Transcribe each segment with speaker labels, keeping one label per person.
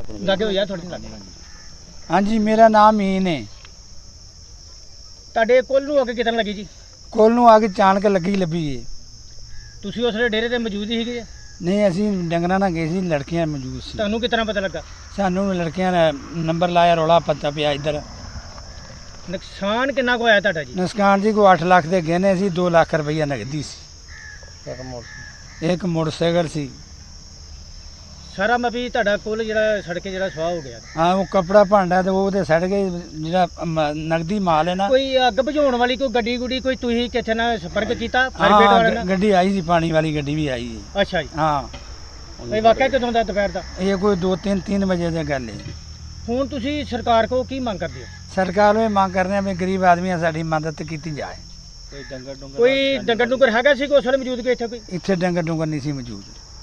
Speaker 1: ਲੱਗੇ ਹੋ ਯਾਰ ਥੋੜੀ ਲੱਗੇ।
Speaker 2: ਹਾਂਜੀ ਮੇਰਾ ਨਾਮ ਮੀਨ ਹੈ।
Speaker 1: ਤੁਹਾਡੇ ਕੋਲ ਨੂੰ ਅੱਗ ਕਿਤਨ ਲੱਗੀ ਜੀ?
Speaker 2: ਕੋਲ ਨੂੰ ਆ ਕੇ ਚਾਣਕ ਲੱਗੀ ਲੱਭੀ ਏ।
Speaker 1: ਤੁਸੀਂ ਉਸ ਵੇਲੇ ਡੇਰੇ ਤੇ ਮੌਜੂਦ ਹੀ ਸੀਗੇ?
Speaker 2: ਨਹੀਂ ਅਸੀਂ ਡੰਗਰਾਂ ਨਾਲ ਗਏ ਸੀ, ਲੜਕੀਆਂ ਮੌਜੂਦ ਸੀ।
Speaker 1: ਤੁਹਾਨੂੰ ਕਿਤਨਾ ਪਤਾ ਲੱਗਾ?
Speaker 2: ਸਾਨੂੰ ਲੜਕੀਆਂ ਨੇ ਨੰਬਰ ਲਾਇਆ, ਰੌਲਾ ਪਤਾ ਪਿਆ ਇੱਧਰ।
Speaker 1: ਨੁਕਸਾਨ ਕਿੰਨਾ ਕੁ ਹੋਇਆ ਤੁਹਾਡਾ ਜੀ?
Speaker 2: ਨੁਕਸਾਨ ਜੀ ਕੋ 8 ਲੱਖ ਦੇ ਗਹਿਣੇ ਸੀ, 2 ਲੱਖ ਰੁਪਈਆ ਨਗਦੀ ਸੀ, ਇੱਕ ਮੋਟਰਸਾਈਕਲ ਸੀ।
Speaker 1: ਸਾਰਾ ਮਪੀ ਤੁਹਾਡਾ ਕੋਲ ਜਿਹੜਾ ਸੜਕੇ ਜਿਹੜਾ ਸਵਾਹ ਹੋ ਗਿਆ।
Speaker 2: ਹਾਂ ਉਹ ਕਪੜਾ ਭਾਂਡਾ ਤੇ ਉਹ ਤੇ ਸੜ ਗਏ, ਜਿਹੜਾ ਨਗਦੀ ਮਾਲ ਹੈ ਨਾ।
Speaker 1: ਕੋਈ ਅੱਗ ਬੁਝਾਉਣ ਵਾਲੀ ਕੋਈ ਗੱਡੀ ਗੁੱਡੀ ਕੋਈ ਤੁਸੀਂ ਕਿੱਥੇ ਨਾਲ ਸੰਪਰਕ ਕੀਤਾ ਫਾਇਰ ਬ੍ਰਿਗੇਡ ਵਾਲਿਆਂ ਨਾਲ?
Speaker 2: ਗੱਡੀ ਆਈ ਸੀ, ਪਾਣੀ ਵਾਲੀ ਗੱਡੀ ਵੀ ਆਈ ਹੈ।
Speaker 1: ਅੱਛਾ ਜੀ।
Speaker 2: ਹਾਂ
Speaker 1: ਇਹ ਵਾਕਿਆ ਕਦੋਂ ਦਾ ਦੁਪਹਿਰ ਦਾ?
Speaker 2: ਇਹ ਕੋਈ 2-3 ਵਜੇ ਦੀ ਗੱਲ ਹੈ।
Speaker 1: ਹੁਣ ਤੁਸੀਂ ਸਰਕਾਰ ਕੋਲ ਕੀ ਮੰਗ ਕਰਦੇ ਹੋ?
Speaker 2: ਸਰਕਾਰ ਨੂੰ ਇਹ ਮੰਗ ਕਰ ਰਹੇ ਆ ਵੀ ਗਰੀਬ ਆਦਮੀਆਂ ਸਾਡੀ ਮਦਦ ਕੀਤੀ ਜਾਏ।
Speaker 1: ਕੋਈ ਡੰਗਰ ਡੁੰਗਰ ਹੈਗਾ ਸੀ ਉਸ ਵੇਲੇ ਮੌਜੂਦ ਕਿ ਇੱਥੇ ਕੋਈ?
Speaker 2: ਇੱਥੇ ਡੰਗਰ ਡੁੰਗਰ ਨਹੀਂ ਸੀ ਮੌਜੂਦ।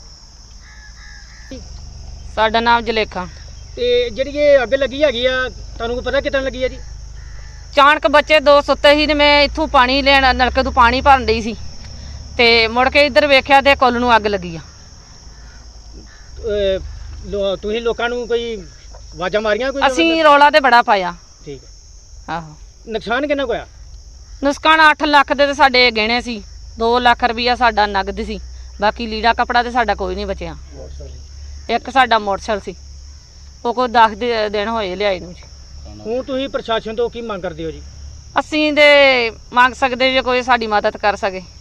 Speaker 3: ਸਾਡਾ ਨਾਮ ਜਲੇਖਾ।
Speaker 1: ਤੇ ਜਿਹੜੀ ਇਹ ਅੱਗ ਲੱਗੀ ਹੈਗੀ ਆ ਤੁਹਾਨੂੰ ਪਤਾ ਕਿਤਨ ਲੱਗੀ ਆ ਜੀ?
Speaker 3: ਚਾਣਕ ਬੱਚੇ 2 ਸੁੱਤੇ ਸੀ ਤੇ ਮੈਂ ਇੱਥੋਂ ਪਾਣੀ ਲੈਣ ਨਲਕੇ ਤੋਂ ਪਾਣੀ ਭਰਨ ਡਈ ਸੀ ਤੇ ਮੁੜ ਕੇ ਇੱਧਰ ਵੇਖਿਆ ਤੇ ਕੁੱਲ ਨੂੰ ਅੱਗ ਲੱਗੀ ਆ।
Speaker 1: ਤੁਸੀਂ ਲੋਕਾਂ ਨੂੰ ਕੋਈ ਆਵਾਜ਼ਾਂ ਮਾਰੀਆਂ ਕੋਈ?
Speaker 3: ਅਸੀਂ ਰੌਲਾ ਤੇ ਬੜਾ ਪਾਇਆ।
Speaker 1: ਠੀਕ ਹੈ।
Speaker 3: ਆਹੋ
Speaker 1: ਨੁਕਸਾਨ ਕਿੰਨਾ ਕੁ ਹੋਇਆ?
Speaker 3: ਨੁਕਸਾਨ 8 ਲੱਖ ਦੇ ਤੇ ਸਾਡੇ ਗਹਿਣੇ ਸੀ, 2 ਲੱਖ ਰੁਪਈਆ ਸਾਡਾ ਨਗਦ ਸੀ, ਬਾਕੀ ਲੀੜਾ ਕਪੜਾ ਤੇ ਸਾਡਾ ਕੋਈ ਨਹੀਂ ਬਚਿਆ। ਇੱਕ ਸਾਡਾ ਮੋਟਰਸਾਈਕਲ ਸੀ, ਉਹ ਕੋਈ 10 ਦਿਨ ਹੋਏ ਲਿਆਏ ਨੂੰ ਜੀ।
Speaker 1: ਹੁਣ ਤੁਸੀਂ ਪ੍ਰਸ਼ਾਸਨ ਤੋਂ ਕੀ ਮੰਗ ਕਰਦੇ ਹੋ ਜੀ?
Speaker 3: ਅਸੀਂ ਤੇ ਮੰਗ ਸਕਦੇ ਜੇ ਕੋਈ ਸਾਡੀ ਮਦਦ ਕਰ ਸਕੇ।